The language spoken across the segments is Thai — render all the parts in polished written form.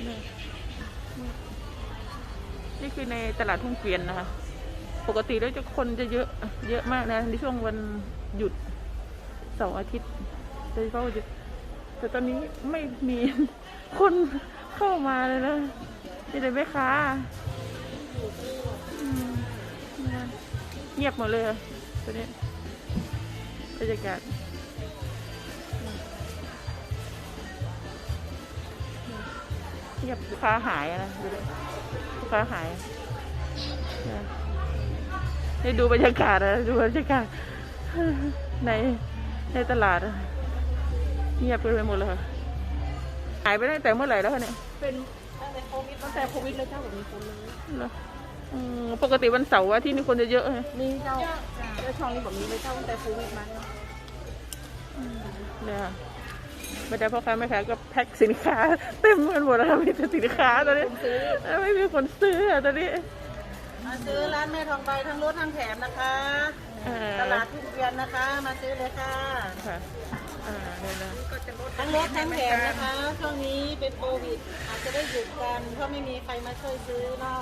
นี่คือในตลาดทุ่งเกวียนนะคะปกติแล้วคนจะเยอะมากนะในช่วงวันหยุดเสาร์อาทิตย์โดยเฉพาะวันหยุดแต่ตอนนี้ไม่มีคนเข้ามาเลยนะมีแต่แม่ค้าเงียบหมดเลยตอนนี้บรรยากาศเงียบลูกค้าหายนะดูดิลูกค้าหายให้ดูบรรยากาศนะดูบรรยากาศในตลาดเงียบไปหมดเลยค่ะหายไปตั้งแต่เมื่อไหร่แล้วคะเนี่ยเป็นตั้งแต่โควิดเลยเจ้าแบบมีคนเลยปกติวันเสาร์ที่นี่คนจะเยอะไหมมีเจ้าช่องนี้แบบนี้เลยเจ้าตั้งแต่โควิดมาเนี่ยบรรดาพ่อค้าแม่ค้าก็แพ็คสินค้าเต็มกันหมดแล้วมีแต่สินค้าตอนนี้ไม่มีคนซื้อตอนนี้มาซื้อร้านแม่ทองใบทั้งรถทั้งแถมนะคะตลาดทุ่งเกวียนนะคะมาซื้อเลยค่ะทั้งรถทั้งแถมนะคะช่วงนี้เป็นโควิดอาจจะได้หยุดกันเพราะไม่มีใครมาช่วยซื้อเนาะ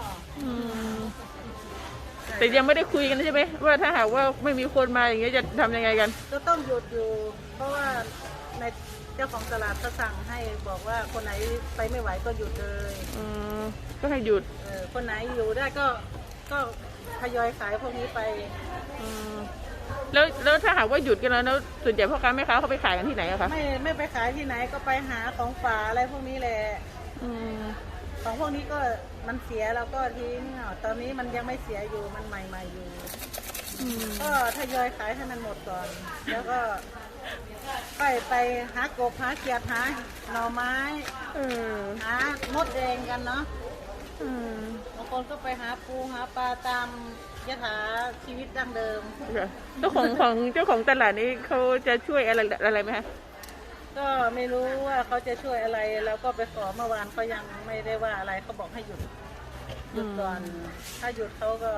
แต่ยังไม่ได้คุยกันใช่ไหมว่าถ้าหากว่าไม่มีคนมาอย่างเงี้ยจะทำยังไงกันก็ต้องหยุดอยู่เพราะว่าในเจ้าของตลาดก็สั่งให้บอกว่าคนไหนไปไม่ไหวก็หยุดเลยก็ให้หยุดคนไหนอยู่ได้ก็ทยอยขายพวกนี้ไปแล้วถ้าหากว่าหยุดกันแล้วส่วนใหญ่พ่อค้าแม่ค้าเขาไปขายกันที่ไหนอะคะไม่ไปขายที่ไหนก็ไปหาของฝากอะไรพวกนี้แหละของพวกนี้ก็มันเสียแล้วก็ทิ้งตอนนี้มันยังไม่เสียอยู่มันใหม่ๆอยู่ก็ทยอยขายให้มันหมดก่อนแล้วก็ไปหากบหาเขียดหาหน่อไม้หามดแดงกันเนาะบางคนก็ไปหาปูหาปลาตามยถาชีวิตดั้งเดิมเจ้าของตลาดนี้เขาจะช่วยอะไรไหมคะก็ไม่รู้ว่าเขาจะช่วยอะไรแล้วก็ไปขอเมื่อวานเขายังไม่ได้ว่าอะไรเขาบอกให้หยุดก่อนถ้าหยุดเขาก็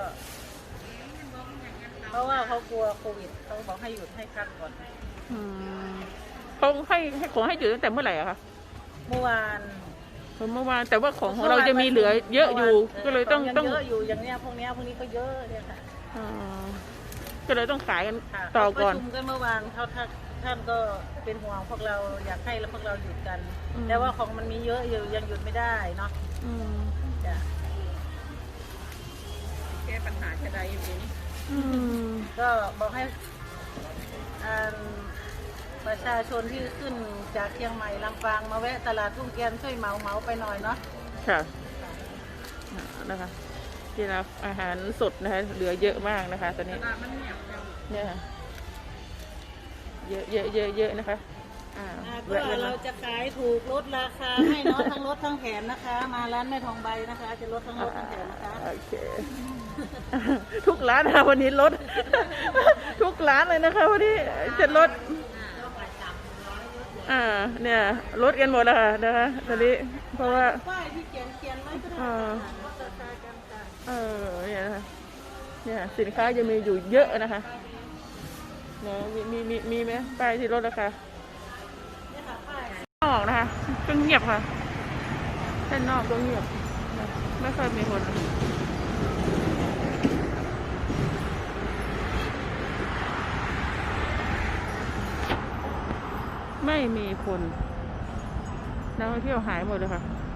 เพราะว่าเขากลัวโควิดเขาบอกให้หยุดให้พักก่อนเขาให้ขอให้หยุดตั้งแต่เมื่อไหร่อะคะเมื่อวานแต่ว่าของเราจะมีเหลือเยอะอยู่ก็เลยต้องเยอะอยู่อย่างเนี้ยพวกนี้ก็เยอะเนี่ยค่ะก็เลยต้องขายกันต่อก่อนประชุมกันเมื่อวานท่านก็เป็นห่วงพวกเราอยากให้พวกเราหยุดกันแต่ว่าของมันมีเยอะอยู่ยังหยุดไม่ได้เนาะจะแก้ปัญหาจะได้อย่างนี้ก็บอกให้ประชาชนที่ขึ้นจากเชียงใหม่ลำปางมาแวะตลาดทุ่งเกวียนช่วยเหมาไปหน่อยเนาะค่ะนะคะที่รับอาหารสดนะคะเหลือเยอะมากนะคะตอนนี้เนี่ยเยอะนะคะก็เราจะขายถูกลดราคาให้เนาะทั้งรถทั้งแถมนะคะมาร้านแม่ทองใบนะคะจะลดทั้งรถทั้งแถมนะคะโอเคทุกร้านนะวันนี้ลดทุกร้านเลยนะคะวันนี้จะลดเนี่ยลดกันหมดแล้วค่ะนะคะตอนนี้เพราะว่าป้ายที่เขียนไว้ก็ได้ลดราคากันค่ะเนี่ยนะคะเนี่ยสินค้ายังมีอยู่เยอะนะคะเนี่ยมีไหมป้ายที่ลดราคานอกนะคะก็เงียบค่ะด้านนอกก็เงียบไม่ค่อยมีคนไม่มีคนนักท่องเที่ยวหายหมดเลยค่ะ